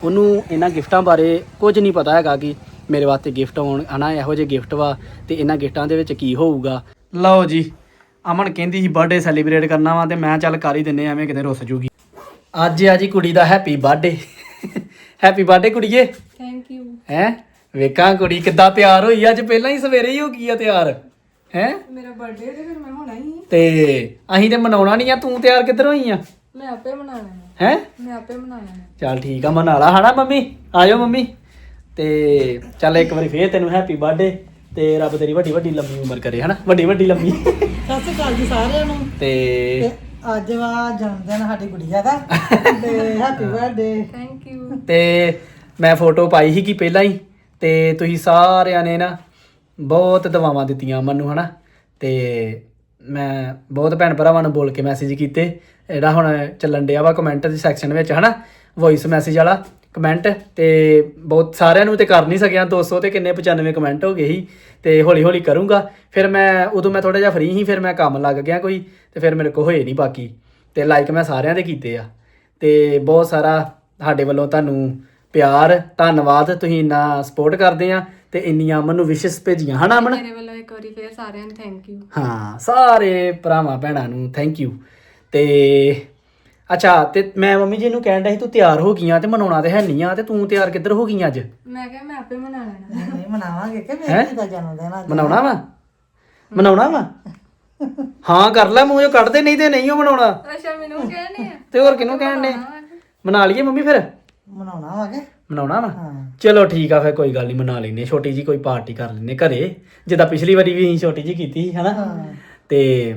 ਉਹਨੂੰ ਇਹਨਾਂ ਗਿਫਟਾਂ ਬਾਰੇ ਕੁਝ ਨਹੀਂ ਪਤਾ ਹੈਗਾ ਕਿ ਮੇਰੇ ਵਾਸਤੇ ਗਿਫਟ ਆਉਣ ਹਨਾ, ਇਹੋ ਜਿਹੇ ਗਿਫਟ ਵਾ ਤੇ ਇਹਨਾਂ ਗਿਫਟਾਂ ਦੇ ਵਿੱਚ ਕੀ ਹੋਊਗਾ। ਲਓ ਜੀ, ਅਮਨ ਕਹਿੰਦੀ ਸੀ ਬਰਥਡੇ ਸੈਲੀਬ੍ਰੇਟ ਕਰਨਾ ਵਾ ਤੇ ਮੈਂ ਚੱਲ ਕਰ ਹੀ ਦਿੰਨੇ ਐਵੇਂ ਕਿਤੇ ਰੁੱਸ ਜੂਗੀ। ਅੱਜ ਆ ਜੀ ਕੁੜੀ ਦਾ ਹੈਪੀ ਬਰਥਡੇ। ਹੈਪੀ ਬਰਥਡੇ ਕੁੜੀਏ। Thank you. ਹੈ ਵੇਖਾਂ ਕੁੜੀ ਕਿੱਦਾਂ ਤਿਆਰ ਹੋਈ, ਅੱਜ ਪਹਿਲਾਂ ਹੀ ਸਵੇਰੇ ਹੀ ਹੋ ਗਈ ਆ ਤਿਆਰ। ਹੈ ਮੇਰਾ ਬਰਥਡੇ ਤੇ ਫਿਰ ਮੈਂ ਹੋਣਾ ਹੀ। ਤੇ ਅਸੀਂ ਤੇ ਮਨਾਉਣਾ ਨਹੀਂ ਆ, ਤੂੰ ਤਿਆਰ ਕਿੱਧਰ ਹੋਈ ਆ? ਮੈਂ ਆਪੇ ਮਨਾਣਾ ਹੈ ਮੈਂ ਆਪੇ ਮਨਾਣਾ। ਚੱਲ ਠੀਕ ਆ, ਮਨਾ ਲਾ ਹਨਾ ਮੰਮੀ। ਆਜੋ ਮੰਮੀ। ਤੇ ਚੱਲ ਇੱਕ ਵਾਰੀ ਫੇਰ ਤੈਨੂੰ ਹੈਪੀ ਬਰਥਡੇ ਤੇ ਰੱਬ ਤੇਰੀ ਵੱਡੀ ਵੱਡੀ ਲੰਮੀ ਉਮਰ ਕਰੇ ਹਨਾ, ਵੱਡੀ ਵੱਡੀ ਲੰਮੀ। ਸਤਿ ਸ਼੍ਰੀ ਅਕਾਲ ਜੀ ਸਾਰਿਆਂ ਨੂੰ। ਤੇ ਅੱਜ ਵਾ ਜਨਮ ਦਿਨ ਸਾਡੀ ਗੁੜੀਆ ਦਾ ਤੇ ਹੈਪੀ ਬਰਥਡੇ। Thank you. ਤੇ ਮੈਂ ਫੋਟੋ ਪਾਈ ਸੀ ਕਿ ਪਹਿਲਾਂ ਹੀ, ਤੇ ਤੁਸੀਂ ਸਾਰਿਆਂ ਨੇ ਨਾ ਬਹੁਤ ਦੁਆਵਾਂ ਦਿੱਤੀਆਂ ਮੈਨੂੰ ਹਨਾ, ਤੇ ਮੈਂ ਬਹੁਤ ਭੈਣ ਭਰਾਵਾਂ ਨੂੰ ਬੋਲ ਕੇ ਮੈਸੇਜ ਕੀਤੇ। ਜਿਹੜਾ ਹੁਣ ਚੱਲਣ ਡਿਆ ਵਾ ਕਮੈਂਟ ਦੇ ਸੈਕਸ਼ਨ ਵਿੱਚ ਹਨਾ, ਵੌਇਸ ਮੈਸੇਜ ਵਾਲਾ ਕਮੈਂਟ, ਤੇ ਬਹੁਤ ਸਾਰਿਆਂ ਨੂੰ ਤੇ ਕਰ ਨਹੀਂ ਸਕਿਆ। 200 ਤੇ ਕਿੰਨੇ 95 ਕਮੈਂਟ ਹੋ ਗਏ ਸੀ। ਤੇ ਹੌਲੀ ਹੌਲੀ ਕਰੂੰਗਾ। ਫਿਰ ਉਦੋਂ ਮੈਂ ਥੋੜਾ ਜਿਹਾ ਫਰੀ ਸੀ, ਫਿਰ ਮੈਂ ਕੰਮ ਲੱਗ ਗਿਆ ਕੋਈ, ਤੇ ਫਿਰ ਮੇਰੇ ਕੋਲ ਹੋਏ ਨਹੀਂ ਬਾਕੀ। ਤੇ ਲਾਈਕ ਮੈਂ ਸਾਰਿਆਂ ਦੇ ਕੀਤੇ ਆ। ਤੇ ਬਹੁਤ ਸਾਰਾ ਸਾਡੇ ਵੱਲੋਂ ਤੁਹਾਨੂੰ ਪਿਆਰ, ਧੰਨਵਾਦ। ਤੁਸੀਂ ਇੰਨਾ ਸਪੋਰਟ ਕਰਦੇ ਆ ਤੇ ਇੰਨੀਆਂ ਅਮਨ ਨੂੰ ਵਿਸ਼ੇਸ ਭੇਜੀਆਂ ਹਨਾ ਅਮਨ। ਮੇਰੇ ਵੱਲੋਂ ਇੱਕ ਵਾਰੀ ਫੇਰ ਸਾਰਿਆਂ ਨੂੰ ਥੈਂਕ ਯੂ। ਹਾਂ, ਸਾਰੇ ਭਰਾਵਾਂ ਭੈਣਾਂ ਨੂੰ ਥੈਂਕ ਯੂ। ਤੇ ਅੱਛਾ, ਤੇ ਮੈਂ ਮੰਮੀ ਜੀ ਨੂੰ ਕਹਿਣ ਡਿਆ ਸੀ ਤੂੰ ਤਿਆਰ ਹੋ ਗਈਆਂ ਤੇ ਮਨਾਉਣਾ ਤੇ ਹੈ ਨਹੀਂ ਆ, ਤੇ ਤੂੰ ਤਿਆਰ ਕਿੱਧਰ ਹੋ ਗਈਆਂ ਅੱਜ? ਮੈਂ ਕਿਹਾ ਮੈਂ ਆਪੇ ਮਨਾ ਲੈਣਾ। ਨਹੀਂ ਮਨਾਵਾਂਗੇ ਕਿ ਮੇਰੀ ਦਾ ਜਨਮ ਦਿਨ ਅੱਜ। ਮਨਾਉਣਾ ਵਾ? ਮਨਾਉਣਾ ਵਾ? ਹਾਂ ਕਰ ਲੈ, ਮੂੰਹ ਚੋਂ ਕੱਢਦੇ, ਨਹੀਂ ਤੇ ਨਹੀਂ ਉਹ ਮਨਾਉਣਾ। ਅੱਛਾ, ਮੈਨੂੰ ਕਹਿਣੇ ਆ ਤੇ ਹੋਰ ਕਿਹਨੂੰ ਕਹਿਣ ਦੇ? ਮਨਾ ਲਈਏ ਮੰਮੀ ਫਿਰ? ਮਨਾਉਣਾ ਵਾ ਕਿ? ਮਨਾਉਣਾ ਵਾ? ਹਾਂ। ਚਲੋ ਠੀਕ ਆ, ਫਿਰ ਕੋਈ ਗੱਲ ਨਹੀਂ, ਮਨਾ ਲੈਨੇ ਛੋਟੀ ਜੀ ਕੋਈ ਪਾਰਟੀ ਕਰ ਲੈਨੇ ਘਰੇ, ਜਿੱਦਾਂ ਪਿਛਲੀ ਵਾਰੀ ਵੀ ਅਸੀਂ ਛੋਟੀ ਜੀ ਕੀਤੀ ਸੀ ਹਨਾ। ਤੇ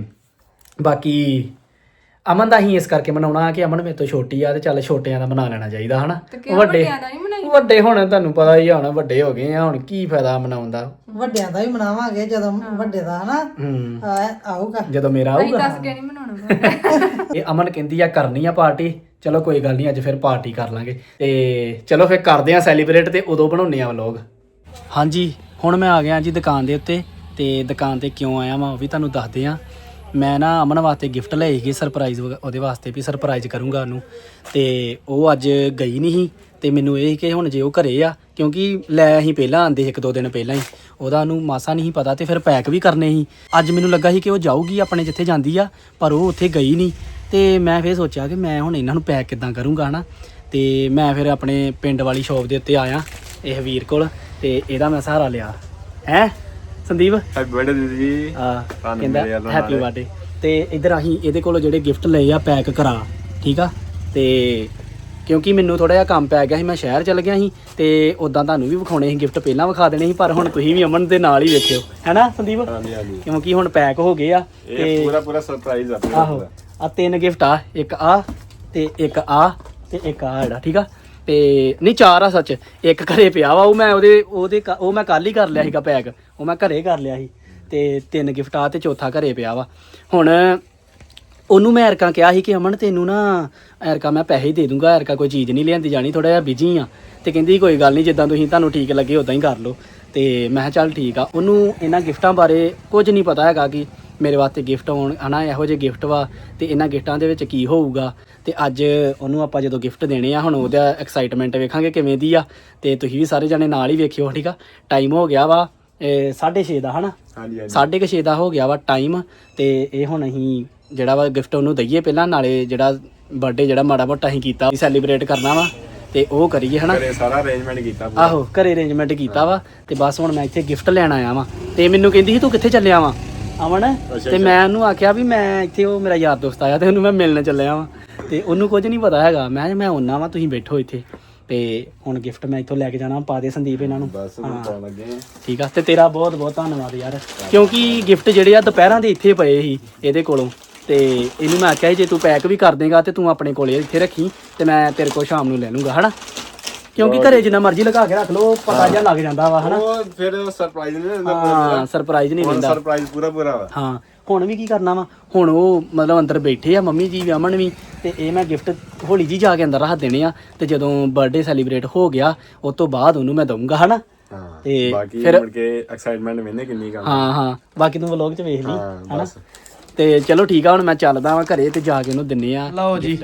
ਬਾਕੀ ਅਮਨ ਦਾ ਹੀ ਇਸ ਕਰਕੇ ਮਨਾਉਣਾ ਕਿ ਅਮਨ ਮੇਰੇ ਤੋਂ ਛੋਟੀ ਆ, ਤੇ ਚੱਲ ਛੋਟਿਆਂ ਦਾ ਮਨਾ ਲੈਣਾ ਚਾਹੀਦਾ ਹਨਾ। ਵੱਡਿਆਂ ਦਾ ਨਹੀਂ ਮਨਾਈ? ਵੱਡੇ ਹੁਣ ਤੁਹਾਨੂੰ ਪਤਾ ਹੀ ਆ, ਹੁਣ ਵੱਡੇ ਹੋ ਗਏ ਆ, ਹੁਣ ਕੀ ਫਾਇਦਾ ਮਨਾਉਣ ਦਾ। ਵੱਡਿਆਂ ਦਾ ਹੀ ਮਨਾਵਾਂਗੇ ਜਦੋਂ ਵੱਡੇ ਦਾ ਹਨਾ ਆਊਗਾ, ਜਦੋਂ ਮੇਰਾ ਅਸੀਂ ਆਊਗਾ। ਦੱਸ ਕੇ ਨਹੀਂ ਮਨਾਉਣਾ। ਇਹ ਅਮਨ ਕਹਿੰਦੀ ਆ ਕਰਨੀ ਆ ਪਾਰਟੀ। ਚਲੋ ਕੋਈ ਗੱਲ ਨਹੀਂ, ਅੱਜ ਫਿਰ ਪਾਰਟੀ ਕਰ ਲਾਂਗੇ। ਤੇ ਚਲੋ ਫਿਰ ਕਰਦੇ ਆ ਸੈਲੀਬ੍ਰੇਟ, ਤੇ ਉਦੋਂ ਬਣਾਉਂਦੇ ਆ ਵਲੌਗ। ਹਾਂਜੀ, ਹੁਣ ਮੈਂ ਆ ਗਿਆ ਜੀ ਦੁਕਾਨ ਦੇ ਉੱਤੇ। ਤੇ ਦੁਕਾਨ ਤੇ ਕਿਉਂ ਆਇਆ ਮੈਂ ਉਹ ਵੀ ਤੁਹਾਨੂੰ ਦੱਸਦੇ ਆ। ਮੈਂ ਨਾ ਅਮਨ ਵਾਸਤੇ ਗਿਫਟ ਲਏ ਸੀਗੇ ਸਰਪ੍ਰਾਈਜ਼, ਉਹਦੇ ਵਾਸਤੇ ਵੀ ਸਰਪ੍ਰਾਈਜ਼ ਕਰੂੰਗਾ ਉਹਨੂੰ। ਤੇ ਉਹ ਅੱਜ ਗਈ ਨਹੀਂ ਸੀ, ਤੇ ਮੈਨੂੰ ਇਹ ਕਿ ਹੁਣ ਜੇ ਉਹ ਘਰੇ ਆ, ਕਿਉਂਕਿ ਲੈ ਅਸੀਂ ਪਹਿਲਾਂ ਆਂਦੇ 1-2 ਦਿਨ ਪਹਿਲਾਂ ਹੀ, ਉਹਦਾ ਉਹਨੂੰ ਮਾਸਾ ਨਹੀਂ ਪਤਾ, ਤੇ ਫਿਰ ਪੈਕ ਵੀ ਕਰਨੇ ਸੀ। ਅੱਜ ਮੈਨੂੰ ਲੱਗਾ ਸੀ ਕਿ ਉਹ ਜਾਊਗੀ ਆਪਣੇ ਜਿੱਥੇ ਜਾਂਦੀ ਆ, ਪਰ ਉਹ ਉੱਥੇ ਗਈ ਨਹੀਂ। ਤੇ ਮੈਂ ਫਿਰ ਸੋਚਿਆ ਕਿ ਮੈਂ ਹੁਣ ਇਹਨਾਂ ਨੂੰ ਪੈਕ ਕਿੱਦਾਂ ਕਰੂੰਗਾ ਹਨਾ। ਤੇ ਮੈਂ ਫਿਰ ਆਪਣੇ ਪਿੰਡ ਵਾਲੀ ਸ਼ੌਪ ਦੇ ਉੱਤੇ ਆਇਆ ਇਹ ਵੀਰ ਕੋਲ, ਤੇ ਇਹਦਾ ਮੈਂ ਸਹਾਰਾ ਲਿਆ। ਹੈ ਸੰਦੀਪ? ਹੈਪੀ ਬਰਥਡੇ ਦੀਦੀ ਜੀ। ਕਹਿੰਦਾ ਹੈਪੀ ਬਰਥਡੇ। ਤੇ ਇੱਧਰ ਅਸੀਂ ਇਹਦੇ ਕੋਲੋਂ ਜਿਹੜੇ ਗਿਫਟ ਲਏ ਆ ਪੈਕ ਕਰਾ, ਠੀਕ ਆ। ਤੇ ਕਿਉਂਕਿ ਮੈਨੂੰ ਥੋੜਾ ਜਿਹਾ ਕੰਮ ਪੈ ਗਿਆ ਸੀ, ਮੈਂ ਸ਼ਹਿਰ ਚਲ ਗਿਆ ਸੀ, ਤੇ ਉਦਾਂ ਤੁਹਾਨੂੰ ਵੀ ਵਿਖਾਉਣੇ ਸੀ ਗਿਫਟ, ਪਹਿਲਾਂ ਵਿਖਾ ਦੇਣੇ ਸੀ, ਪਰ ਹੁਣ ਤੁਸੀਂ ਵੀ ਅਮਨ ਦੇ ਨਾਲ ਹੀ ਵੇਖਿਓ ਹੈਨਾ ਸੰਦੀਪ। ਕਿਉਂਕਿ ਹੁਣ ਪੈਕ ਹੋ ਗਏ ਆ, ਇਹ ਪੂਰਾ ਸਰਪ੍ਰਾਈਜ਼ ਆ। ਆਹੋ, ਆ 3 ਗਿਫਟ ਆ, ਇੱਕ ਆ ਤੇ ਇੱਕ ਆ ਤੇ ਇੱਕ ਆ ਜਿਹੜਾ, ਠੀਕ ਆ। ਤੇ ਨਹੀਂ 4 ਆ ਸੱਚ, ਇੱਕ ਘਰੇ ਪਿਆ ਵਾ, ਉਹ ਮੈਂ ਉਹ ਮੈਂ ਕੱਲ ਹੀ ਕਰ ਲਿਆ ਸੀਗਾ ਪੈਕ, ਉਹ ਮੈਂ ਘਰੇ ਕਰ ਲਿਆ ਸੀ। ਤੇ 3 ਗਿਫਟ ਆ ਤੇ ਚੌਥਾ ਘਰੇ ਪਿਆ ਵਾ। ਹੁਣ ਉਹਨੂੰ ਮੈਂ ਐਰਕਾਂ ਕਿਹਾ ਸੀ ਕਿ ਅਮਨ ਤੈਨੂੰ ਨਾ ਐਰਕਾਂ ਮੈਂ ਪੈਸੇ ਦੇ ਦੂੰਗਾ, ਐਰਕਾਂ ਕੋਈ ਚੀਜ਼ ਨਹੀਂ ਲਿਆਂਦੀ ਜਾਣੀ, ਥੋੜਾ ਜਿਹਾ ਬਿਜੀ ਆ। ਤੇ ਕਹਿੰਦੀ ਕੋਈ ਗੱਲ ਨਹੀਂ, ਜਿੱਦਾਂ ਤੁਹਾਨੂੰ ਠੀਕ ਲੱਗੇ ਉਦਾਂ ਹੀ ਕਰ ਲਓ। ਤੇ ਮੈਂ ਕਿਹਾ ਚੱਲ ਠੀਕ ਆ। ਉਹਨੂੰ ਇਹਨਾਂ ਗਿਫਟਾਂ ਬਾਰੇ ਕੁਝ ਨਹੀਂ ਪਤਾ ਹੈਗਾ ਕਿ ਮੇਰੇ ਵਾਸਤੇ ਗਿਫਟ ਆਉਣ ਹਨਾ, ਇਹੋ ਜਿਹੇ ਗਿਫਟ ਵਾ ਤੇ ਇਹਨਾਂ ਗਿਫਟਾਂ ਦੇ ਵਿੱਚ ਕੀ ਹੋਊਗਾ। ਤੇ ਅੱਜ ਉਹਨੂੰ ਆਪਾਂ ਜਦੋਂ ਗਿਫਟ ਦੇਣੇ ਆ, ਹੁਣ ਉਹਦਾ ਐਕਸਾਈਟਮੈਂਟ ਵੇਖਾਂਗੇ ਕਿਵੇਂ ਦੀ ਆ। ਤੇ ਤੁਸੀਂ ਵੀ ਸਾਰੇ ਜਣੇ ਨਾਲ ਹੀ ਵੇਖਿਓ, ਠੀਕ ਆ। ਟਾਈਮ ਹੋ ਗਿਆ ਵਾ 6:30 ਦਾ ਹਨਾ, 6:30 ਦਾ ਹੋ ਗਿਆ ਵਾ ਟਾਈਮ। ਤੇ ਇਹ ਹੁਣ ਅਸੀਂ ਜਿਹੜਾ ਵਾ ਗਿਫਟ ਉਹਨੂੰ ਦਈਏ ਪਹਿਲਾਂ, ਨਾਲੇ ਜਿਹੜਾ ਬਰਥਡੇ ਜਿਹੜਾ ਮਾੜਾ ਮੋਟਾ ਅਸੀਂ ਕੀਤਾ ਸੈਲੀਬ੍ਰੇਟ ਕਰਨਾ ਵਾ, ਤੇ ਉਹ ਕਰੀਏ ਹਨਾ। ਸਾਰਾ ਅਰੇਂਜਮੈਂਟ ਕੀਤਾ। ਆਹੋ, ਘਰੇ ਅਰੇਂਜਮੈਂਟ ਕੀਤਾ ਵਾ। ਤੇ ਬਸ ਹੁਣ ਮੈਂ ਇੱਥੇ ਗਿਫਟ ਲੈਣ ਆਇਆ ਵਾ। ਤੇ ਮੈਨੂੰ ਕਹਿੰਦੀ ਸੀ ਤੂੰ ਕਿੱਥੇ ਚੱਲਿਆ ਵਾ ਅਮਨ? ਤੇ ਮੈਂ ਉਹਨੂੰ ਆਖਿਆ ਵੀ ਮੈਂ ਇੱਥੇ, ਉਹ ਮੇਰਾ ਯਾਰ ਦੋਸਤ ਆਇਆ ਤੇ ਉਹਨੂੰ ਮੈਂ ਮਿਲਣ ਚੱਲਿਆ ਵਾ। ਤੇ ਉਹਨੂੰ ਕੁਝ ਨਹੀਂ ਪਤਾ ਹੈਗਾ। ਮੈਂ ਆਉਣਾ ਵਾ, ਤੁਸੀਂ ਬੈਠੋ ਇੱਥੇ। ਤੇ ਹੁਣ ਗਿਫਟ ਮੈਂ ਇੱਥੋਂ ਲੈ ਕੇ ਜਾਣਾ, ਪਾ ਦੇ ਸੰਦੀਪ ਇਹਨਾਂ ਨੂੰ। ਬਸ ਪਾਉਣ ਲੱਗੇ ਆ। ਠੀਕ ਆ। ਤੇ ਤੇਰਾ ਬਹੁਤ ਬਹੁਤ ਧੰਨਵਾਦ ਯਾਰ, ਕਿਉਂਕਿ ਗਿਫਟ ਜਿਹੜੇ ਆ ਦੁਪਹਿਰਾਂ ਦੇ ਇੱਥੇ ਪਏ ਸੀ ਇਹਦੇ ਕੋਲੋਂ। ਤੇ ਇਹਨੂੰ ਮੈਂ ਆਖਿਆ ਜੇ ਤੂੰ ਪੈਕ ਵੀ ਕਰ ਦੇਗਾ ਤੇ ਤੂੰ ਆਪਣੇ ਕੋਲੇ ਇੱਥੇ ਰੱਖੀ, ਤੇ ਮੈਂ ਤੇਰੇ ਕੋਲ ਸ਼ਾਮ ਨੂੰ ਲੈ ਲੂੰਗਾ ਹਨਾ। ਕਿਉਂਕਿ ਘਰੇ ਜਿੰਨਾ ਮਰਜ਼ੀ ਲਗਾ ਕੇ ਰੱਖ ਲਓ, ਪਤਾ ਜਿਹਾ ਲੱਗ ਜਾਂਦਾ ਵਾ ਹਨਾ। ਉਹ ਫਿਰ ਸਰਪ੍ਰਾਈਜ਼ ਨਹੀਂ ਦਿੰਦਾ। ਹਾਂ, ਸਰਪ੍ਰਾਈਜ਼ ਨਹੀਂ ਦਿੰਦਾ। ਸਰਪ੍ਰਾਈਜ਼ ਪੂਰਾ ਵਾ। ਹਾਂ, ਹੁਣ ਵੀ ਕੀ ਕਰਨਾ ਵਾ, ਹੁਣ ਉਹ ਮਤਲਬ ਅੰਦਰ ਬੈਠੇ ਆ ਮੰਮੀ ਜੀ ਵੀ ਅਮਨ ਵੀ, ਤੇ ਇਹ ਮੈਂ ਗਿਫਟ ਹੌਲੀ ਜੀ ਜਾ ਕੇ ਅੰਦਰ ਰੱਖ ਦੇਣੇ ਆ। ਤੇ ਜਦੋਂ ਬਰਥਡੇ ਸੈਲੀਬ੍ਰੇਟ ਹੋ ਗਿਆ ਉਸ ਤੋਂ ਬਾਅਦ ਉਹਨੂੰ ਮੈਂ ਦਊਂਗਾ ਹਨਾ। ਤੇ ਫਿਰ ਮੁੜ ਕੇ ਐਕਸਾਈਟਮੈਂਟ ਮੈਨੇ ਕਿੰਨੀ ਕੰਮ। ਹਾਂ, ਬਾਕੀ ਤੂੰ ਵਲੌਗ 'ਚ ਵੇਖ ਲਈ ਹਨਾ। ਤੇ ਚਲੋ ਠੀਕ ਆ, ਹੁਣ ਮੈਂ ਚੱਲਦਾ ਵਾਂ ਘਰੇ ਤੇ ਜਾ ਕੇ ਉਹਨੂੰ ਦਿੰਨੇ ਆ। ਲਓ ਜੀ,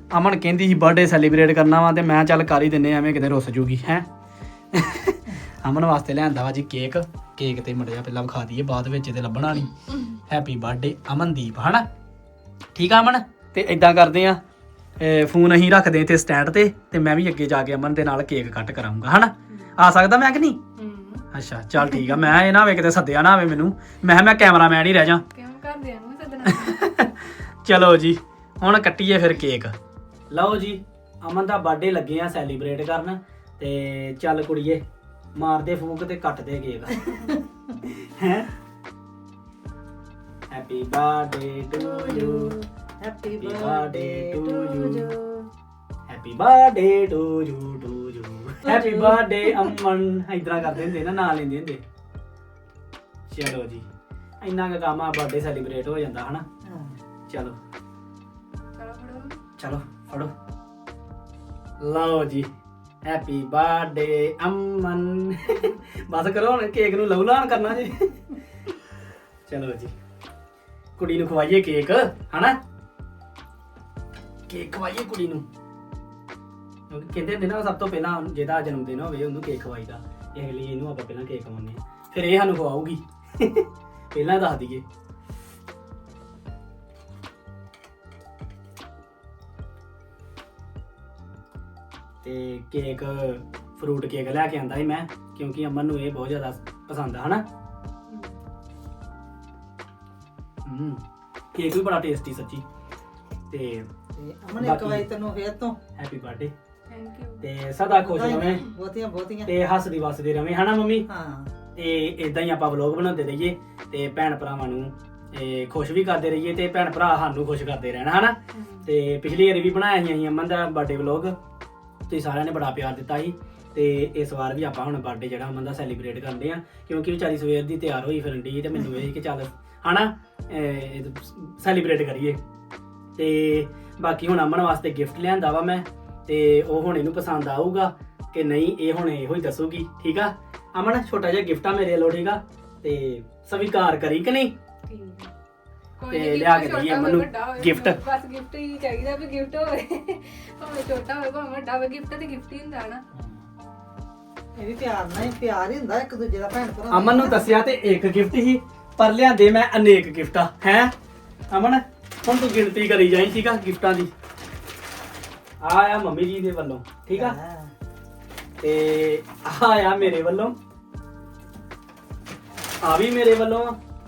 ਅਮਨ ਕਹਿੰਦੀ ਸੀ ਬਰਥਡੇ ਸੈਲੀਬ੍ਰੇਟ ਕਰਨਾ ਵਾ ਤੇ ਮੈਂ ਚੱਲ ਕਰ ਹੀ ਦਿੰਨੇ ਐਵੇਂ ਕਿਤੇ ਰੁੱਸ ਜੂਗੀ ਹੈ ਅਮਨ ਵਾਸਤੇ ਲਿਆਂਦਾ ਵਾ ਜੀ ਕੇਕ ਤੇ ਮੜਿਆ ਪਹਿਲਾਂ ਵਿਖਾ ਦਈਏ ਬਾਅਦ ਵਿੱਚ ਤੇ ਲੱਭਣਾ ਨਹੀਂ ਹੈਪੀ ਬਰਥਡੇ ਅਮਨਦੀਪ ਹਨਾ ਠੀਕ ਆ ਅਮਨ ਤੇ ਇਦਾਂ ਕਰਦੇ ਆ ਫੋਨ ਅਸੀਂ ਰੱਖਦੇ ਇੱਥੇ ਸਟੈਂਡ ਤੇ ਮੈਂ ਵੀ ਅੱਗੇ ਜਾ ਕੇ ਅਮਨ ਦੇ ਨਾਲ ਕੇਕ ਕੱਟ ਕਰਾਉਂਗਾ ਹਨਾ ਆ ਸਕਦਾ ਮੈਂ ਕਿ ਨਹੀਂ ਅੱਛਾ ਚੱਲ ਠੀਕ ਆ ਮੈਂ ਇਹ ਨਾ ਹੋਵੇ ਕਿਤੇ ਸੱਦਿਆ ਨਾ ਹੋਵੇ ਮੈਨੂੰ ਮੈਂ ਕੈਮਰਾਮੈਨ ਹੀ ਰਹਿ ਜਾ ਕਿਉਂ ਘਰਦਿਆਂ ਨੂੰ ਸੱਦਣਾ ਚਲੋ ਜੀ ਹੁਣ ਕੱਟੀਏ ਫਿਰ ਕੇਕ ਲਓ ਜੀ ਅਮਨ ਦਾ ਬਰਥਡੇ ਲੱਗੇ ਆ ਸੈਲੀਬ੍ਰੇਟ ਕਰਨ ਤੇ ਚੱਲ ਕੁੜੀਏ ਮਾਰਦੇ ਫੂਕ ਤੇ ਕੱਟਦੇ ਕੇਕ ਹੈ happy birthday to you happy birthday to you happy birthday to you happy birthday Aman ਇਦਾਂ ਕਰਦੇ ਹੁੰਦੇ ਨਾ ਨਾਂ ਲੈਂਦੇ ਹੁੰਦੇ ਚਲੋ ਜੀ ਇੰਨਾ ਕੁ ਕੰਮ ਆ ਬਰਥਡੇ ਸੈਲੀਬ੍ਰੇਟ ਹੋ ਜਾਂਦਾ ਹਨਾ ਚਲੋ ਚਲੋ ਫੜੋ ਲਓ ਜੀ ਹੈਪੀ ਬਰਥਡੇ ਅਮਨ ਬਸ ਕਰੋ ਹੁਣ ਕੇਕ ਨੂੰ ਲਹੂ ਲਾਣ ਕਰਨਾ ਜੀ ਚਲੋ ਜੀ ਕੁੜੀ ਨੂੰ ਖਵਾਈਏ ਕੇਕ ਹਨਾ ਕੇਕ ਖਵਾਈਏ ਕੁੜੀ ਨੂੰ ਕਿਉਂਕਿ ਕਹਿੰਦੇ ਹੁੰਦੇ ਨਾ ਸਭ ਤੋਂ ਪਹਿਲਾਂ ਜਿਹਦਾ ਜਨਮ ਦਿਨ ਹੋਵੇ ਉਹਨੂੰ ਕੇਕ ਖਵਾਈਦਾ ਇਸ ਲਈ ਇਹਨੂੰ ਆਪਾਂ ਪਹਿਲਾਂ ਕੇਕ ਖਵਾਉਂਦੇ ਆ ਫਿਰ ਇਹ ਸਾਨੂੰ ਖਵਾਊਗੀ ਪਹਿਲਾਂ ਦੱਸ ਦਈਏ ਤੇ ਕੇਕ ਫਰੂਟ ਕੇਕ ਲੈ ਕੇ ਆਂਦਾ ਸੀ ਮੈਂ ਕਿਉਂਕਿ ਅਮਨ ਨੂੰ ਇਹ ਬਹੁਤ ਜ਼ਿਆਦਾ ਪਸੰਦ ਆ ਹਨਾ ਕੇਕ ਵੀ ਬੜਾ ਟੇਸਟੀ ਸੱਚੀ ਤੇ ਅਮਨ ਇੱਕ ਵਾਰੀ ਤੈਨੂੰ ਫੇਰ ਤੋਂ ਹੈਪੀ ਬਰਥਡੇ ਥੈਂਕ ਯੂ ਤੇ ਸਦਾ ਖੁਸ਼ ਰਵੇਂ ਬਹੁਤੀਆਂ ਤੇ ਹੱਸਦੀ ਵਸਦੀ ਰਵੇਂ ਹਨਾ ਮੰਮੀ ਹਾਂ ਤੇ ਇਦਾਂ ਹੀ ਆਪਾਂ ਵਲੌਗ ਬਣਾਉਂਦੇ ਰਹੀਏ ਤੇ ਭੈਣ ਭਰਾਵਾਂ ਨੂੰ ਖੁਸ਼ ਵੀ ਕਰਦੇ ਰਹੀਏ ਤੇ ਭੈਣ ਭਰਾ ਸਾਨੂੰ ਖੁਸ਼ ਕਰਦੇ ਰਹਿਣ ਹਨਾ ਤੇ ਪਿਛਲੀ ਵਾਰੀ ਵੀ ਬਣਾਇਆ ਸੀ ਅਸੀਂ ਅਮਨ ਦਾ ਬਰਥਡੇ ਵਲੌਗ ਤੁਸੀਂ ਸਾਰਿਆਂ ਨੇ ਬੜਾ ਪਿਆਰ ਦਿੱਤਾ ਸੀ ਤੇ ਇਸ ਵਾਰ ਵੀ ਆਪਾਂ ਹੁਣ ਬਰਥਡੇ ਜਿਹੜਾ ਅਮਨ ਦਾ ਸੈਲੀਬ੍ਰੇਟ ਕਰਦੇ ਆ ਕਿਉਂਕਿ ਵਿਚਾਰੀ ਸਵੇਰ ਦੀ ਤਿਆਰ ਹੋਈ ਫਿਰਨ ਦੀ ਤੇ ਮੈਨੂੰ ਇਹ ਕਿ ਚੱਲ ਹਨਾ ਸੈਲੀਬ੍ਰੇਟ ਕਰੀਏ ਤੇ ਬਾਕੀ ਹੁਣ ਅਮਨ ਵਾਸਤੇ ਗਿਫਟ ਲਿਆਂਦਾ ਵਾ ਮੈਂ ਤੇ ਉਹ ਹੁਣ ਇਹਨੂੰ ਪਸੰਦ ਆਊਗਾ ਕਿ ਨਹੀਂ ਇਹ ਹੁਣ ਇਹੋ ਹੀ ਦੱਸੂਗੀ ਠੀਕ ਆ ਅਮਨ ਛੋਟਾ ਜਿਹਾ ਗਿਫਟ ਆ ਮੇਰੇ ਵੱਲੋਂ ਠੀਕ ਆ ਤੇ ਸਵੀਕਾਰ ਕਰੀ ਕਿ ਨਹੀਂ ਕੋਈ ਤੇ ਲਿਆ ਕੇ ਦਈਏ ਅਮਨ ਨੂੰ ਗਿਫਟ ਬਸ ਗਿਫਟ ਹੀ ਚਾਹੀਦਾ ਵੀ ਗਿਫਟ ਹੋਵੇ ਭਾਵੇਂ ਛੋਟਾ ਹੋਵੇ ਭਾਵੇਂ ਵੱਡਾ ਹੋਵੇ ਗਿਫਟ ਤੇ ਗਿਫਟ ਹੀ ਹੁੰਦਾ ਨਾ ਇਹ ਵੀ ਪਿਆਰ ਹੀ ਹੁੰਦਾ ਇੱਕ ਦੂਜੇ ਦਾ ਭੈਣ ਭਰਾ ਅਮਨ ਨੂੰ ਦੱਸਿਆ ਤੇ ਇੱਕ ਗਿਫਟ ਹੀ ਪਰ ਲਿਆਂਦੇ ਮੈਂ ਅਨੇਕ ਗਿਫਟਾਂ ਹੈ ਅਮਨ ਹੁਣ ਤੂੰ ਗਿਣਤੀ ਕਰੀ ਜਾਈਂ ਠੀਕ ਆ ਗਿਫਟਾਂ ਦੀ ਆ ਮੰਮੀ ਜੀ ਦੇ ਵੱਲੋਂ ਠੀਕ ਆ ਤੇ ਆ ਮੇਰੇ ਵੱਲੋਂ ਆ ਵੀ ਮੇਰੇ ਵੱਲੋਂ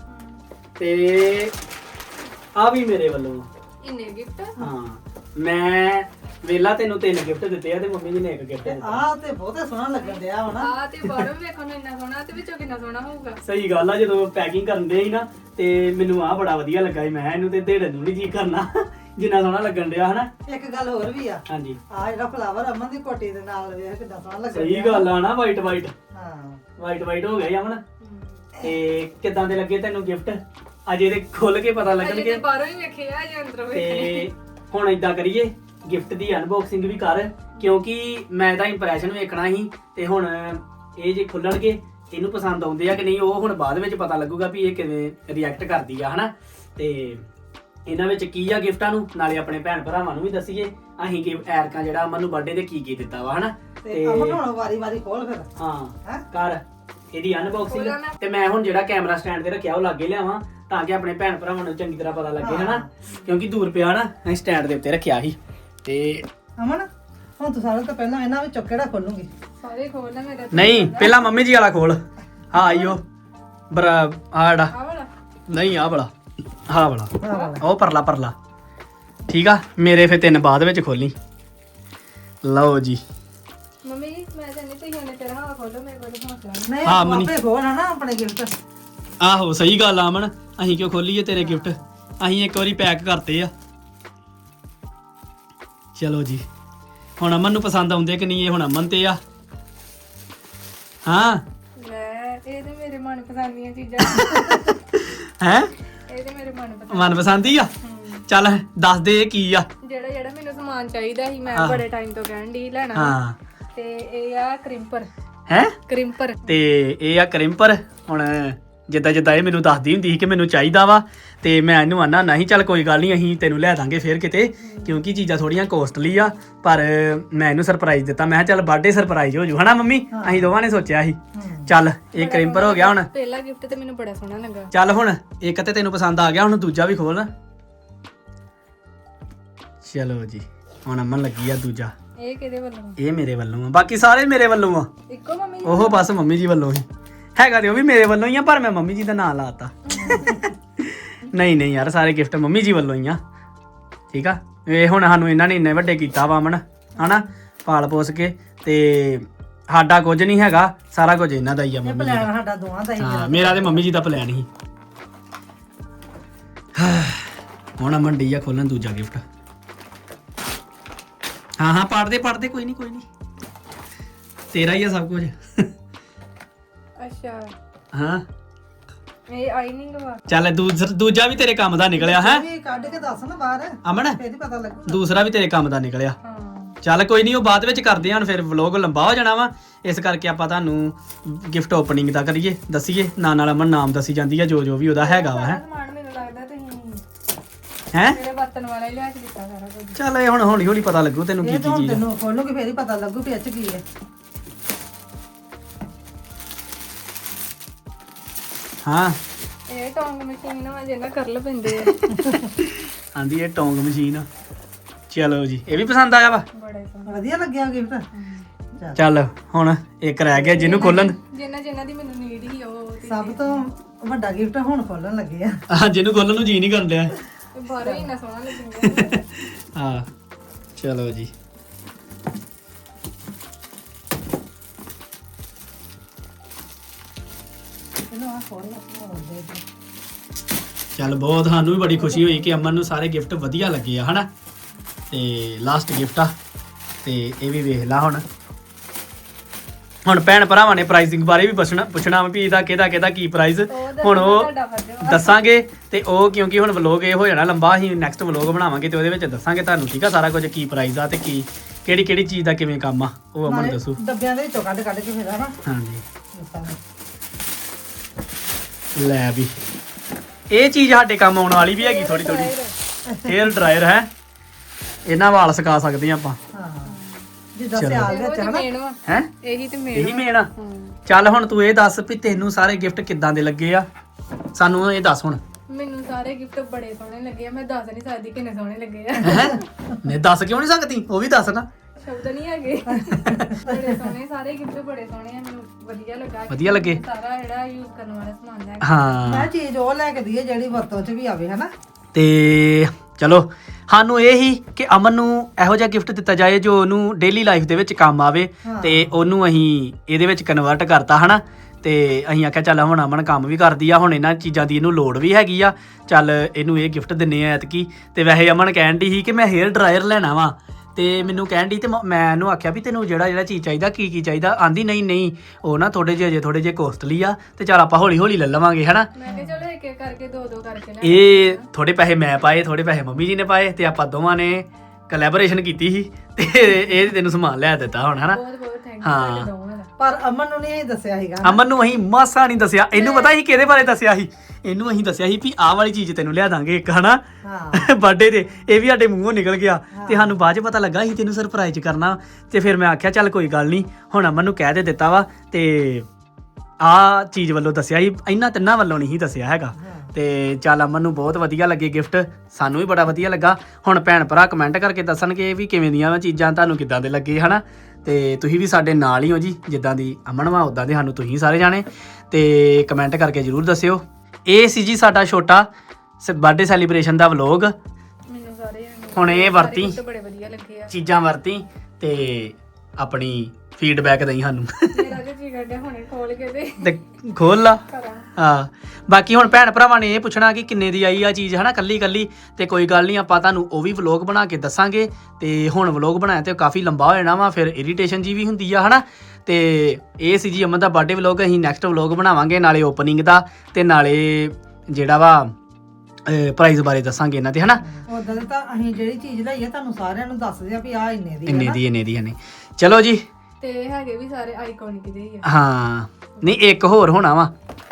ਤੇ ਆ ਵੀ ਮੇਰੇ ਵੱਲੋਂ ਇੰਨੇ ਗਿਫਟ ਹਾਂ ਮੈਂ ਵੇਲਾ ਤੈਨੂੰ 3 ਗਿਫਟ ਦਿੱਤੇ ਆ ਤੇ ਮੰਮੀ ਜੀ ਨੇ 1 ਗਿਫਟ ਦਿੱਤਾ ਆਹ ਤੇ ਬਹੁਤੇ ਸੋਹਣਾ ਲੱਗਣ ਡਿਆ ਹੋਣਾ ਆ ਤੇ ਬਾਹਰੋਂ ਵੇਖਣ ਨੂੰ ਇੰਨਾ ਸੋਹਣਾ ਤੇ ਵਿੱਚੋਂ ਕਿੰਨਾ ਸੋਹਣਾ ਹੋਊਗਾ ਸਹੀ ਗੱਲ ਆ ਜਦੋਂ ਪੈਕਿੰਗ ਕਰਨ ਦੇ ਸੀ ਨਾ ਤੇ ਮੈਨੂੰ ਆ ਬੜਾ ਵਧੀਆ ਲੱਗਾ ਸੀ ਮੈਂ ਇਹਨੂੰ ਤੇ ਢੇੜਨ ਨੂੰ ਨਹੀਂ ਜੀ ਕਰਨਾ ਜਿੰਨਾ ਸੋਹਣਾ ਲੱਗਣ ਡਿਆ ਹਨਾ ਇੱਕ ਗੱਲ ਹੋਰ ਵੀ ਆ ਹਾਂਜੀ ਆ ਜਿਹੜਾ ਫਲਾਵਰ ਅਮਨ ਦੀ ਕੋਟੀ ਦੇ ਨਾਲ ਵੇਖ ਕਿੰਨਾ ਸੋਹਣਾ ਲੱਗਣ ਸਹੀ ਗੱਲ ਆ ਨਾ ਵਾਈਟ ਹਾਂ ਵਾਈਟ ਹੋ ਗਿਆ ਅਮਨ ਤੇ ਕਿੱਦਾਂ ਦੇ ਲੱਗੇ ਤੈਨੂੰ ਗਿਫਟ ਅਜੇ ਤੇ ਖੁੱਲ ਕੇ ਪਤਾ ਅਜੇ ਲੱਗਣਗੇ ਤੇ ਬਾਹਰੋਂ ਹੀ ਵੇਖੇ ਆ ਜਾਂ ਅੰਦਰੋਂ ਵੇਖੇ ਤੇ ਹੁਣ ਇਦਾਂ ਕਰੀਏ ਗਿਫਟ ਦੀ ਅਨਬਾਕਸਿੰਗ ਵੀ ਕਰ ਕਿਉਂਕਿ ਮੈਂ ਤਾਂ ਇੰਪ੍ਰੈਸ਼ਨ ਵੇਖਣਾ ਸੀ ਤੇ ਹੁਣ ਇਹ ਜੇ ਖੁੱਲਣਗੇ ਇਹਨੂੰ ਪਸੰਦ ਆਉਂਦੇ ਆ ਕਿ ਨਹੀਂ ਉਹ ਹੁਣ ਬਾਅਦ ਵਿੱਚ ਪਤਾ ਲੱਗੂਗਾ ਵੀ ਇਹ ਕਿਵੇਂ ਰਿਐਕਟ ਕਰਦੀ ਆ ਹਨਾ ਤੇ ਇਹਨਾਂ ਵਿੱਚ ਕੀ ਆ ਗਿਫਟਾਂ ਨੂੰ ਨਾਲੇ ਆਪਣੇ ਭੈਣ ਭਰਾਵਾਂ ਨੂੰ ਵੀ ਦੱਸੀਏ ਅਸੀਂ ਕਿ ਐਰਕਾਂ ਜਿਹੜਾ ਅਮਨ ਨੂੰ ਬਰਥਡੇ ਤੇ ਕੀ ਦਿੱਤਾ ਵਾ ਹਨਾ ਤੇ ਅਮਨ ਹੁਣ ਵਾਰੀ ਖੋਲ ਫਿਰ ਹਾਂ ਕਰ ਇਹਦੀ ਅਨਬਾਕਸਿੰਗ ਤੇ ਮੈਂ ਹੁਣ ਜਿਹੜਾ ਕੈਮਰਾ ਸਟੈਂਡ ਤੇ ਰੱਖਿਆ ਉਹ ਲਾਗੇ ਲਿਆਵਾਂ ਤਾਂ ਕਿ ਆਪਣੇ ਭੈਣ ਭਰਾਵਾਂ ਨੂੰ ਚੰਗੀ ਤਰ੍ਹਾਂ ਪਤਾ ਲੱਗੇ ਹਨਾ ਕਿਉਂਕਿ ਦੂਰ ਪਿਆ ਨਾ ਅਸੀਂ ਸਟੈਂਡ ਦੇ ਉੱਤੇ ਰੱਖਿਆ ਸੀ ਤੇ ਅਮਨ ਹੁਣ ਤੂੰ ਸਾਰਿਆਂ ਤੋਂ ਪਹਿਲਾਂ ਇਹਨਾਂ ਵਿੱਚੋਂ ਕਿਹੜਾ ਖੋਲੂਗੀ ਸਾਰੇ ਖੋਲ ਲੈ ਮੇਰਾ ਨਹੀਂ ਪਹਿਲਾਂ ਮੰਮੀ ਜੀ ਵਾਲਾ ਖੋਲ ਹਾਂ ਆਇਓ ਬਰਾ ਆੜਾ ਆ ਵਾਲਾ ਨਹੀਂ ਆ ਵਾਲਾ ਹਾਂ ਵਾਲਾ ਉਹ ਪਰਲਾ ਠੀਕ ਆ ਮੇਰੇ ਫੇ 3 ਬਾਅਦ ਵਿੱਚ ਖੋਲੀ ਲਓ ਜੀ ਮੰਮੀ ਮੈਂ ਕਹਿੰਦੀ ਤੁਸੀਂ ਉਹਨੇ ਤੇਰਾ ਹਵਾ ਖੋਲੋ ਮੇਰੇ ਕੋਲ ਹੌਸਲਾ ਨਹੀਂ ਨਹੀਂ ਹਾਂ, ਮਨੀ। ਆਪੇ ਖੋਲ ਹਨਾ ਆਪਣੇ ਗਿਫਟ ਆਹੋ ਸਹੀ ਗੱਲ ਆ ਅਮਨ ਅਸੀਂ ਕਿਉਂ ਖੋਲੀਏ ਤੇਰੇ ਗਿਫਟ ਅਸੀਂ ਇੱਕ ਵਾਰੀ ਪੈਕ ਕਰਤੇ ਆ ਚਲੋ ਜੀ ਹੁਣ ਅਮਨ ਨੂੰ ਪਸੰਦ ਆਉਂਦੇ ਕਿ ਨਹੀਂ ਇਹ ਹੁਣ ਅਮਨ ਤੇ ਆ ਹਾਂ ਲੈ ਇਹ ਤੇ ਮੇਰੇ ਮਨਪਸੰਦ ਦੀਆਂ ਚੀਜ਼ਾਂ ਹੈ ਇਹ ਤੇ ਮੇਰੇ ਮਨਪਸੰਦ ਮਨਪਸੰਦ ਹੀ ਆ ਚੱਲ ਦੱਸ ਦੇ ਇਹ ਕੀ ਆ ਜਿਹੜਾ ਮੈਨੂੰ ਸਮਾਨ ਚਾਹੀਦਾ ਸੀ ਮੈਂ ਬੜੇ ਟਾਈਮ ਤੋਂ ਕਹਿਣ ਦੀ ਲੈਣਾ ਹਾਂ ਤੇ ਇਹ ਆ ਕ੍ਰਿੰਪਰ ਹੈ ਕ੍ਰਿੰਪਰ ਤੇ ਇਹ ਆ ਕ੍ਰਿੰਪਰ ਹੁਣ ਜਿੱਦਾਂ ਜਿੱਦਾਂ ਇਹ ਮੈਨੂੰ ਦੱਸਦੀ ਹੁੰਦੀ ਸੀ ਕਿ ਮੈਨੂੰ ਚਾਹੀਦਾ ਵਾ ਤੇ ਮੈਂ ਇਹਨੂੰ ਆਨਾ ਨਹੀਂ ਚੱਲ ਕੋਈ ਗੱਲ ਨਹੀਂ ਅਸੀਂ ਤੈਨੂੰ ਲੈ ਦਾਂਗੇ ਫਿਰ ਕਿਤੇ ਕਿਉਂਕਿ ਚੀਜ਼ਾਂ ਥੋੜੀਆਂ ਕੋਸਟਲੀ ਆ ਪਰ ਮੈਂ ਇਹਨੂੰ ਸਰਪ੍ਰਾਈਜ਼ ਦਿੱਤਾ ਮੈਂ ਕਿਹਾ ਚੱਲ ਬਰਥਡੇ ਸਰਪ੍ਰਾਈਜ਼ ਹੋ ਜੂ ਹਨਾ ਮੰਮੀ ਅਸੀਂ ਦੋਵਾਂ ਨੇ ਸੋਚਿਆ ਸੀ ਚੱਲ ਇਹ ਕ੍ਰਿੰਪਰ ਹੋ ਗਿਆ ਹੁਣ ਪਹਿਲਾ ਗਿਫਟ ਤੇ ਮੈਨੂੰ ਬੜਾ ਸੋਹਣਾ ਲੱਗਾ ਚੱਲ ਹੁਣ ਇੱਕ ਤੇ ਤੈਨੂੰ ਪਸੰਦ ਆ ਗਿਆ ਹੁਣ ਦੂਜਾ ਵੀ ਖੋਲ ਚਲੋ ਜੀ ਹੁਣ ਅਮਨ ਲੱਗੀ ਆ ਦੂਜਾ ਇਹ ਕਿਹਦੇ ਵੱਲੋਂ ਇਹ ਮੇਰੇ ਵੱਲੋਂ ਆ ਬਾਕੀ ਸਾਰੇ ਮੇਰੇ ਵੱਲੋਂ ਆ ਇੱਕੋ ਮੰਮੀ ਉਹ ਬਸ ਮੰਮੀ ਜੀ ਵੱਲੋਂ ਹੀ ਹੈਗਾ ਤੇ ਉਹ ਵੀ ਮੇਰੇ ਵੱਲੋਂ ਹੀ ਆ ਪਰ ਮੈਂ ਮੰਮੀ ਜੀ ਦਾ ਨਾਂ ਲਾਤਾ ਨਹੀਂ ਯਾਰ ਸਾਰੇ ਗਿਫਟ ਮੰਮੀ ਜੀ ਵੱਲੋਂ ਹੀ ਆ ਠੀਕ ਆ ਇਹ ਹੁਣ ਸਾਨੂੰ ਇਹਨਾਂ ਨੇ ਇੰਨੇ ਵੱਡੇ ਕੀਤਾ ਵਾ ਅਮਨ ਹਨਾ ਪਾਲ ਪੋਸ ਕੇ ਤੇ ਸਾਡਾ ਕੁਝ ਨਹੀਂ ਹੈਗਾ ਸਾਰਾ ਕੁਝ ਇਹਨਾਂ ਦਾ ਹੀ ਆ ਮੰਮੀ ਜੀ ਪਲਾਨ ਸਾਡਾ ਦੋਵਾਂ ਦਾ ਹੀ ਹਾਂ ਮੇਰਾ ਤੇ ਮੰਮੀ ਜੀ ਦਾ ਪਲਾਨ ਸੀ ਹੁਣ ਅਮਨ ਡੀ ਆ ਖੋਲਣ ਦੂਜਾ ਗਿਫਟ ਹਾਂ ਪੜਦੇ ਕੋਈ ਨਹੀਂ ਤੇਰਾ ਹੀ ਆ ਸਭ ਕੁਝ ਅੱਛਾ ਹਾਂ ਇਹ ਆਈਨਿੰਗ ਵਾ ਚੱਲ ਦੂਜਾ ਵੀ ਤੇਰੇ ਕੰਮ ਦਾ ਨਿਕਲਿਆ ਹੈ ਵੀ ਕੱਢ ਕੇ ਦੱਸ ਨਾ ਬਾਹਰ ਅਮਨ ਫੇਰ ਹੀ ਪਤਾ ਲੱਗੂ ਦੂਸਰਾ ਵੀ ਤੇਰੇ ਕੰਮ ਦਾ ਨਿਕਲਿਆ ਹਾਂ ਚੱਲ ਕੋਈ ਨਹੀਂ ਉਹ ਬਾਅਦ ਵਿੱਚ ਕਰਦੇ ਹਾਂ ਹੁਣ ਫਿਰ ਵਲੌਗ ਲੰਬਾ ਹੋ ਜਾਣਾ ਵਾ ਇਸ ਕਰਕੇ ਆਪਾਂ ਤੁਹਾਨੂੰ ਗਿਫਟ ਓਪਨਿੰਗ ਦਾ ਕਰੀਏ ਦੱਸੀਏ ਨਾਲ ਅਮਨ ਨਾਮ ਦੱਸੀ ਜਾਂਦੀ ਆ ਜੋ ਵੀ ਉਹਦਾ ਹੈਗਾ ਵਾ ਹੈ ਸਮਾਨ ਮੈਨੂੰ ਲੱਗਦਾ ਤੁਸੀਂ ਹੈ ਮੇਰੇ ਵਰਤਨ ਵਾਲਾ ਹੀ ਲਿਆ ਕੇ ਦਿੱਤਾ ਸਾਰਾ ਕੁਝ ਚੱਲ ਇਹ ਹੁਣ ਹੌਲੀ ਪਤਾ ਲੱਗੂ ਤੈਨੂੰ ਕੀ ਇਹ ਕੀ ਤਾਂ ਚੀਜ਼ ਆ ਤੈਨੂੰ ਖੋਲੂਗੀ ਫੇਰ ਹੀ ਪਤਾ ਲੱਗੂ ਵੀ ਇਹ 'ਚ ਕੀ ਹੈ ਹਾਂ ਇਹ ਟੌਂਗ ਮਸ਼ੀਨ ਵਾ ਜਿਹਨਾਂ ਕਰਲ ਪੈਂਦੇ ਆ ਆਂਦੀ ਇਹ ਟੌਂਗ ਮਸ਼ੀਨ ਆ ਚਲੋ ਜੀ ਇਹ ਵੀ ਪਸੰਦ ਆਇਆ ਵਾ ਬੜੇ ਸੋਹਣੇ ਵਧੀਆ ਲੱਗਿਆ ਗਿਫਟ ਚੱਲ ਹੁਣ ਇੱਕ ਰਹਿ ਗਿਆ ਜਿਹਨੂੰ ਖੋਲਣ ਜਿਨ੍ਹਾਂ ਦੀ ਮੈਨੂੰ ਨੀਡ ਹੀ ਉਹ ਤੇ ਸਭ ਤੋਂ ਵੱਡਾ ਗਿਫਟ ਹੁਣ ਖੋਲਣ ਲੱਗੇ ਆ ਜਿਹਨੂੰ ਖੋਲਣ ਨੂੰ ਜੀ ਨਹੀਂ ਕਰਨ ਡਿਆ ਬਾਹਰੋਂ ਹੀ ਇੰਨਾ ਸੋਹਣਾ ਲੱਗਦਾ ਹਾਂ ਚਲੋ ਜੀ ਇਹਨੂੰ ਆ ਖੋਲ ਦੇ ਚੱਲ ਬਹੁਤ ਸਾਨੂੰ ਵੀ ਬੜੀ ਖੁਸ਼ੀ ਹੋਈ ਕਿ ਅਮਨ ਨੂੰ ਸਾਰੇ ਗਿਫਟ ਵਧੀਆ ਲੱਗੇ ਆ ਹਨਾ ਤੇ ਲਾਸਟ ਗਿਫਟ ਆ ਤੇ ਇਹ ਵੀ ਵੇਖ ਲਾ ਹੁਣ ਭੈਣ ਭਰਾਵਾਂ ਨੇ ਪ੍ਰਾਈਸਿੰਗ ਬਾਰੇ ਵੀ ਪੁੱਛਣਾ ਵੀ ਇਹਦਾ ਕਿਹਦਾ ਕੀ ਪ੍ਰਾਈਸ ਹੁਣ ਉਹ ਤੁਹਾਡਾ ਫਰਜ਼ ਵਾ ਦੱਸਾਂਗੇ ਤੇ ਉਹ ਕਿਉਂਕਿ ਹੁਣ ਵਲੋਗ ਇਹ ਹੋ ਜਾਣਾ ਲੰਬਾ ਅਸੀਂ ਨੈਕਸਟ ਵਲੋਗ ਬਣਾਵਾਂਗੇ ਤੇ ਉਹਦੇ ਵਿੱਚ ਦੱਸਾਂਗੇ ਤੁਹਾਨੂੰ ਠੀਕ ਆ ਸਾਰਾ ਕੁਝ ਕੀ ਪ੍ਰਾਈਸ ਆ ਤੇ ਕੀ ਕਿਹੜੀ ਚੀਜ਼ ਦਾ ਕਿਵੇਂ ਕੰਮ ਆ ਉਹ ਅਮਨ ਦੱਸੂ ਡੱਬਿਆਂ ਦੇ ਵਿੱਚੋਂ ਕੱਢ ਕੇ ਫਿਰ ਹਨਾ ਹਾਂਜੀ ਦੱਸਾਂਗੇ ਲੈ ਵੀ ਇਹ ਚੀਜ਼ ਸਾਡੇ ਕੰਮ ਆਉਣ ਵਾਲੀ ਵੀ ਹੈਗੀ ਥੋੜੀ ਹੇਅਰ ਡਰਾਇਰ ਹੈ ਇਹਨਾਂ ਵਾਲ ਸੁਕਾ ਸਕਦੇ ਆਪਾਂ ਹਾਂ ਜਿੱਦਾਂ ਸਿਆਲ ਵਿੱਚ ਹਨਾ ਮੇਨ ਵਾ ਹੈ ਇਹੀ ਤੇ ਮੇਨ ਇਹੀ ਮੇਨ ਆ ਚੱਲ ਹੁਣ ਤੂੰ ਇਹ ਦੱਸ ਵੀ ਤੈਨੂੰ ਸਾਰੇ ਗਿਫਟ ਕਿੱਦਾਂ ਦੇ ਲੱਗੇ ਆ ਸਾਨੂੰ ਇਹ ਦੱਸ ਹੁਣ ਮੈਨੂੰ ਸਾਰੇ ਗਿਫਟ ਬੜੇ ਸੋਹਣੇ ਲੱਗੇ ਆ ਮੈਂ ਦੱਸ ਨਹੀਂ ਸਕਦੀ ਕਿੰਨੇ ਸੋਹਣੇ ਲੱਗੇ ਆ ਨਹੀਂ ਦੱਸ ਕਿਉਂ ਨਹੀਂ ਸਕਦੀ ਉਹ ਵੀ ਦੱਸ ਨਾ ਸ਼ਬਦ ਨਹੀਂ ਹੈਗੇ ਬੜੇ ਸੋਹਣੇ ਸਾਰੇ ਗਿਫਟ ਬੜੇ ਸੋਹਣੇ ਆ ਮੈਨੂੰ ਵਧੀਆ ਲੱਗੇ ਸਾਰਾ ਜਿਹੜਾ ਯੂਜ਼ ਕਰਨ ਵਾਲਾ ਸਮਾਨ ਲੈ ਹਾਂ ਮੈਂ ਚੀਜ਼ ਉਹ ਲੈ ਕੇ ਦਈਏ ਜਿਹੜੀ ਵਰਤੋਂ 'ਚ ਵੀ ਆਵੇ ਹਨਾ ਤੇ ਚਲੋ ਸਾਨੂੰ ਇਹ ਹੀ ਕਿ ਅਮਨ ਨੂੰ ਇਹੋ ਜਿਹਾ ਗਿਫਟ ਦਿੱਤਾ ਜਾਏ ਜੋ ਉਹਨੂੰ ਡੇਲੀ ਲਾਈਫ ਦੇ ਵਿੱਚ ਕੰਮ ਆਵੇ ਤੇ ਉਹਨੂੰ ਅਸੀਂ ਇਹਦੇ ਵਿੱਚ ਕਨਵਰਟ ਕਰਤਾ ਹਨਾ ਤੇ ਅਸੀਂ ਆਖਿਆ ਚੱਲ ਹੁਣ ਅਮਨ ਕੰਮ ਵੀ ਕਰਦੀ ਆ ਹੁਣ ਇਹਨਾਂ ਚੀਜ਼ਾਂ ਦੀ ਇਹਨੂੰ ਲੋੜ ਵੀ ਹੈਗੀ ਆ ਚੱਲ ਇਹਨੂੰ ਇਹ ਗਿਫਟ ਦਿੰਨੇ ਆ ਐਤਕੀ ਤੇ ਵੈਸੇ ਅਮਨ ਕਹਿਣ ਦੀ ਸੀ ਕਿ ਮੈਂ ਹੇਅਰ ਡਰਾਇਰ ਲੈਣਾ ਵਾ ਤੇ ਮੈਨੂੰ ਕਹਿਣ ਦੀ ਤੇ ਮੈਂ ਇਹਨੂੰ ਆਖਿਆ ਵੀ ਤੈਨੂੰ ਜਿਹੜਾ ਚੀਜ਼ ਚਾਹੀਦਾ ਕੀ ਚਾਹੀਦਾ ਆਂਦੀ ਨਹੀਂ ਉਹ ਨਾ ਥੋੜੇ ਜਿਹੇ ਕੋਸਟਲੀ ਆ ਤੇ ਚੱਲ ਆਪਾਂ ਹੌਲੀ ਲੈ ਲਵਾਂਗੇ ਹਨਾ ਮੈਂ ਕਿਹਾ ਚਲੋ ਇੱਕ ਕਰਕੇ ਦੋ ਕਰਕੇ ਲੈ ਇਹ ਥੋੜੇ ਪੈਸੇ ਮੈਂ ਪਾਏ ਥੋੜੇ ਪੈਸੇ ਮੰਮੀ ਜੀ ਨੇ ਪਾਏ ਤੇ ਆਪਾਂ ਦੋਵਾਂ ਨੇ ਕੋਲੈਬੋਰੇਸ਼ਨ ਕੀਤੀ ਸੀ ਤੇ ਇਹ ਤੈਨੂੰ ਸਮਾਨ ਲੈ ਦਿੱਤਾ ਹੁਣ ਹਨਾ ਬਹੁਤ ਥੈਂਕ ਹਾਂ। ਯੂ ਦੋਵਾਂ ਦਾ ਪਰ ਅਮਨ ਨੂੰ ਨਹੀਂ ਦੱਸਿਆ ਸੀਗਾ ਅਮਨ ਨੂੰ ਅਸੀਂ ਮਾਸਾ ਨਹੀਂ ਦੱਸਿਆ ਇਹਨੂੰ ਪਤਾ ਸੀ ਕਿਹਦੇ ਬਾਰੇ ਦੱਸਿਆ ਸੀ ਇਹਨੂੰ ਅਸੀਂ ਦੱਸਿਆ ਸੀ ਵੀ ਆਹ ਵਾਲੀ ਚੀਜ਼ ਤੈਨੂੰ ਲਿਆ ਦਾਂਗੇ ਇੱਕ ਹਨਾ ਹਾਂ ਬਰਥਡੇ ਤੇ ਇਹ ਵੀ ਸਾਡੇ ਮੂੰਹੋਂ ਨਿਕਲ ਗਿਆ ਤੇ ਸਾਨੂੰ ਬਾਅਦ ਚ ਪਤਾ ਲੱਗਾ ਸੀ ਤੈਨੂੰ ਸਰਪ੍ਰਾਈਜ਼ ਕਰਨਾ ਤੇ ਫਿਰ ਮੈਂ ਆਖਿਆ ਚੱਲ ਕੋਈ ਗੱਲ ਨਹੀਂ ਹੁਣ ਅਮਨ ਨੂੰ ਕਹਿ ਦਿੱਤਾ ਵਾ ਤੇ ਆਹ ਚੀਜ਼ ਵੱਲੋਂ ਦੱਸਿਆ ਸੀ ਇਹਨਾਂ ਤਿੰਨਾਂ ਵੱਲੋਂ ਨਹੀਂ ਦੱਸਿਆ ਹੈਗਾ ਤੇ ਚੱਲ ਅਮਨ ਨੂੰ ਬਹੁਤ ਵਧੀਆ ਲੱਗੇ ਗਿਫਟ ਸਾਨੂੰ ਵੀ ਬੜਾ ਵਧੀਆ ਲੱਗਾ ਹੁਣ ਭੈਣ ਭਰਾ ਕਮੈਂਟ ਕਰਕੇ ਦੱਸਣਗੇ ਵੀ ਕਿਵੇਂ ਦੀਆਂ ਵਾ ਚੀਜ਼ਾਂ ਤੁਹਾਨੂੰ ਕਿੱਦਾਂ ਦੇ ਲੱਗੇ ਹਨਾ ਤੇ ਤੁਸੀਂ ਵੀ ਸਾਡੇ ਨਾਲ ਹੀ ਹੋ ਜੀ ਜਿੱਦਾਂ ਦੀ ਅਮਨ ਵਾ ਉਦਾਂ ਦੇ ਸਾਨੂੰ ਤੁਸੀਂ ਸਾਰੇ ਜਾਣੇ ਤੇ ਕਮੈਂਟ ਕਰਕੇ ਜਰੂਰ ਦੱਸਿਓ ਇਹ ਸੀ ਜੀ ਸਾਡਾ ਛੋਟਾ ਬਰਥਡੇ ਸੈਲੀਬ੍ਰੇਸ਼ਨ ਦਾ ਵਲੌਗ ਮੈਨੂੰ ਸਾਰੇ ਹੁਣ ਇਹ ਵਰਤੀ gift ਬੜੇ ਵਧੀਆ ਲੱਗੇ ਆ ਚੀਜ਼ਾਂ ਵਰਤੀ ਤੇ ਆਪਣੀ ਫੀਡਬੈਕ ਦੇਈ ਸਾਨੂੰ ਮੇਰਾ ਜੇ ਜੀ ਕਰਦਾ ਹੁਣੇ ਖੋਲ ਕੇ ਤੇ ਖੋਲ ਲਾ ਕਰਾਂ ਹਾਂ ਬਾਕੀ ਹੁਣ ਭੈਣ ਭਰਾਵਾਂ ਨੇ ਇਹ ਪੁੱਛਣਾ ਕਿ ਕਿੰਨੇ ਦੀ ਆਈ ਆ ਚੀਜ਼ ਹਨਾ ਕੱਲੀ ਤੇ ਕੋਈ ਗੱਲ ਨਹੀਂ ਆਪਾਂ ਤੁਹਾਨੂੰ ਉਹ ਵੀ ਵਲੌਗ ਬਣਾ ਕੇ ਦੱਸਾਂਗੇ ਤੇ ਹੁਣ ਵਲੌਗ ਬਣਾਇਆ ਤੇ ਕਾਫੀ ਲੰਬਾ ਹੋ ਜਾਣਾ ਵਾ ਫਿਰ ਇਰੀਟੇਸ਼ਨ ਜੀ ਵੀ ਹੁੰਦੀ ਆ ਹਨਾ ਤੇ ਇਹ ਸੀ ਜੀ ਅਮਨ ਦਾ ਬਰਥਡੇ ਵਲੌਗ ਅਸੀਂ ਨੈਕਸਟ ਵਲੌਗ ਬਣਾਵਾਂਗੇ ਨਾਲੇ ਓਪਨਿੰਗ ਦਾ ਤੇ ਨਾਲੇ ਜਿਹੜਾ ਵਾ ਪ੍ਰਾਈਸ ਬਾਰੇ ਦੱਸਾਂਗੇ ਇਹਨਾਂ ਤੇ ਹਨਾ ਉਦਾਂ ਦੇ ਤਾਂ ਅਸੀਂ ਜਿਹੜੀ ਚੀਜ਼ ਲਈ ਆ ਤੁਹਾਨੂੰ ਸਾਰਿਆਂ ਨੂੰ ਦੱਸਦੇ ਆ ਵੀ ਆ ਇੰਨੇ ਦੀ ਇੰਨੇ ਦੀ ਹਨੇ ਚਲੋ ਜੀ ਤੇ ਹੈਗੇ ਵੀ ਸਾਰੇ ਆਈਕੋਨਿਕ ਦੇ ਹੀ ਆ ਹਾਂ ਨਹੀਂ ਇੱਕ ਹੋਰ ਹੋਣਾ ਵਾ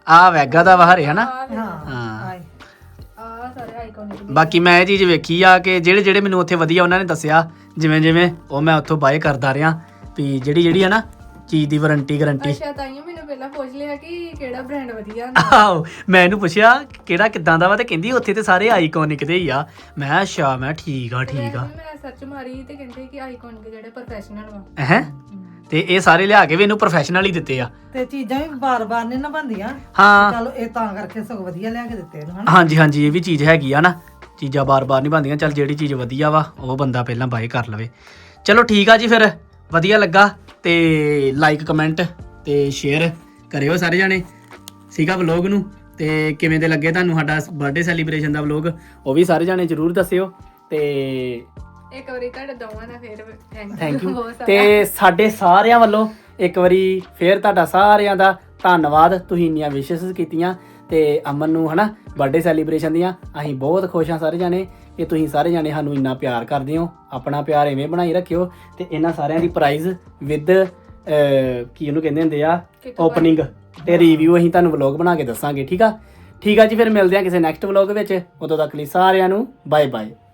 ਆ ਵੈਗਾ ਦਾ ਵਾ ਹਰੇ ਹਨਾ ਹਾਂ ਹਾਂ ਆਏ ਆ ਸਾਰੇ ਆਈਕੋਨਿਕ ਬਾਕੀ ਮੈਂ ਇਹ ਚੀਜ਼ ਵੇਖੀ ਆ ਕਿ ਜਿਹੜੇ ਜਿਹੜੇ ਮੈਨੂੰ ਉੱਥੇ ਵਧੀਆ ਉਹਨਾਂ ਨੇ ਦੱਸਿਆ ਜਿਵੇਂ ਜਿਵੇਂ ਉਹ ਮੈਂ ਉੱਥੋਂ ਬਾਏ ਕਰਦਾ ਰਿਹਾ ਵੀ ਜਿਹੜੀ ਆ ਨਾ ਚੀਜ਼ ਦੀ ਵਾਰੰਟੀ ਗਾਰੰਟੀ ਅੱਛਾ ਤਾਈਓ ਮੈਨੂੰ ਪਹਿਲਾਂ ਪੁੱਛ ਲਿਆ ਕਿ ਕਿਹੜਾ ਬ੍ਰਾਂਡ ਵਧੀਆ ਹੁੰਦਾ ਆਹੋ ਮੈਂ ਇਹਨੂੰ ਪੁੱਛਿਆ ਕਿਹੜਾ ਕਿੱਦਾਂ ਦਾ ਵਾ ਤੇ ਕਹਿੰਦੀ ਉੱਥੇ ਤੇ ਸਾਰੇ ਆਈਕੋਨਿਕ ਦੇ ਹੀ ਆ ਮੈਂ ਅੱਛਾ ਮੈਂ ਠੀਕ ਆ ਮੈਂ ਸਰਚ ਮਾਰੀ ਤੇ ਕਹਿੰਦੇ ਕਿ ਆਈਕੋਨਿਕ ਜਿਹੜੇ ਪ੍ਰੋਫੈਸ਼ਨਲ ਵਾ ਹੈ ਤੇ ਇਹ ਸਾਰੇ ਲਿਆ ਕੇ ਵੀ ਇਹਨੂੰ ਪ੍ਰੋਫੈਸ਼ਨਲ ਹੀ ਦਿੱਤੇ ਆ ਤੇ ਚੀਜ਼ਾਂ ਵੀ ਬਾਰ-ਬਾਰ ਨਹੀਂ ਨਾ ਬਣਦੀਆਂ ਹਾਂ ਚਲੋ ਇਹ ਤਾਂ ਕਰਕੇ ਸਗੋਂ ਵਧੀਆ ਲਿਆ ਕੇ ਦਿੱਤੇ ਇਹਨੂੰ ਹਨਾ ਹਾਂਜੀ ਹਾਂਜੀ ਇਹ ਵੀ ਚੀਜ਼ ਹੈਗੀ ਆ ਨਾ ਚੀਜ਼ਾਂ ਬਾਰ-ਬਾਰ ਨਹੀਂ ਬਣਦੀਆਂ ਚੱਲ ਜਿਹੜੀ ਚੀਜ਼ ਵਧੀਆ ਵਾ ਉਹ ਬੰਦਾ ਪਹਿਲਾਂ ਬਾਏ ਕਰ ਲਵੇ ਚਲੋ ਠੀਕ ਆ ਜੀ ਫਿਰ ਵਧੀਆ ਲੱਗਾ ਤੇ ਲਾਈਕ ਕਮੈਂਟ ਤੇ ਸ਼ੇਅਰ ਕਰਿਓ ਸਾਰੇ ਜਾਣੇ ਸੀਗਾ ਵਲੌਗ ਨੂੰ ਤੇ ਕਿਵੇਂ ਦੇ ਲੱਗੇ ਤੁਹਾਨੂੰ ਸਾਡਾ ਬਰਥਡੇ ਸੈਲੀਬ੍ਰੇਸ਼ਨ ਦਾ ਵਲੌਗ ਉਹ ਵੀ ਸਾਰੇ ਜਾਣੇ ਜਰੂਰ ਦੱਸਿਓ ਤੇ ਇੱਕ ਵਾਰੀ ਤੁਹਾਡੇ ਦੋਵਾਂ ਦਾ ਫੇਰ ਥੈਂਕ ਯੂ ਤੇ ਸਾਡੇ ਸਾਰਿਆਂ ਵੱਲੋਂ ਇੱਕ ਵਾਰੀ ਫੇਰ ਤੁਹਾਡਾ ਸਾਰਿਆਂ ਦਾ ਧੰਨਵਾਦ ਤੁਸੀਂ ਇੰਨੀਆਂ ਵਿਸ਼ੇਸ ਕੀਤੀਆਂ ਤੇ ਅਮਨ ਨੂੰ ਹਨਾ ਬਰਥਡੇ ਸੈਲੀਬ੍ਰੇਸ਼ਨ ਦੀਆਂ ਅਸੀਂ ਬਹੁਤ ਖੁਸ਼ ਹਾਂ ਸਾਰੇ ਜਾਣੇ ਕਿ ਤੁਸੀਂ ਸਾਰੇ ਜਾਣੇ ਸਾਨੂੰ ਇੰਨਾ ਪਿਆਰ ਕਰਦੇ ਹੋ ਆਪਣਾ ਪਿਆਰ ਐਵੇਂ ਬਣਾਈ ਰੱਖਿਓ ਤੇ ਇਹਨਾਂ ਸਾਰਿਆਂ ਦੀ ਪ੍ਰਾਈਜ਼ ਵਿਦ ਕੀ ਉਹਨੂੰ ਕਹਿੰਦੇ ਹੁੰਦੇ ਆ ਓਪਨਿੰਗ ਤੇ ਰਿਵਿਊ ਅਸੀਂ ਤੁਹਾਨੂੰ ਵਲੌਗ ਬਣਾ ਕੇ ਦੱਸਾਂਗੇ ਠੀਕ ਆ ਜੀ ਫਿਰ ਮਿਲਦੇ ਹਾਂ ਕਿਸੇ ਨੈਕਸਟ ਵਲੌਗ ਵਿੱਚ ਉਦੋਂ ਤੱਕ ਲਈ ਸਾਰਿਆਂ ਨੂੰ ਬਾਏ ਬਾਏ